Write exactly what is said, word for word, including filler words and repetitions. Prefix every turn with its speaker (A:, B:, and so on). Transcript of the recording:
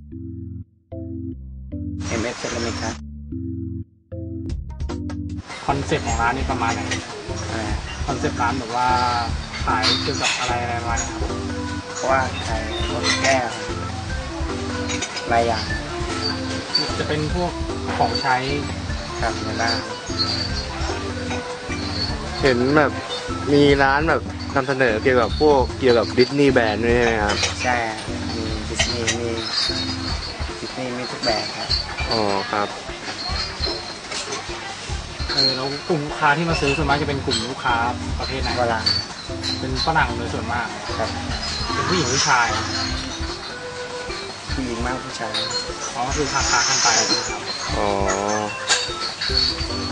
A: เอ็ม เอส เซรามิกครับ
B: คอนเซ็ปต์ของร้านนี่ประมาณไหน
A: อะไร
B: คอนเซ็ปต์ร้านแบบว่าขายเกี่ยวกับอะไรอะไรประมาณนี้ครับ
A: เพราะว่าขายพวกแก้วหลายอย่าง
B: จะเป็นพวกของใช้
A: ครับในบ้าน
C: เห็นแบบมีร้านแบบนำเสนอเกี่ยวกับพวกเกี่ยวกับดิสนีย์แบรนด์ด้วยใช่ไหมครับ
A: ใช่มีดิสนีย์มีดิสนีย์มีทุกแบบครับ
C: อ๋อครับ
B: เออแล้วกลุ่มลูกค้าที่มาซื้อส่วนมากจะเป็นกลุ่มลูกค้าประเภทไหน
A: ฝรั่ง
B: เป็นฝรั่งโดยส่วนมาก
A: ครับ
B: เป็นผู้หญิงผู้ชาย
A: ผู้หญิงมากผู้ชาย
B: อ๋อคือค้าค้ากันไปนะครับ
C: อ๋อ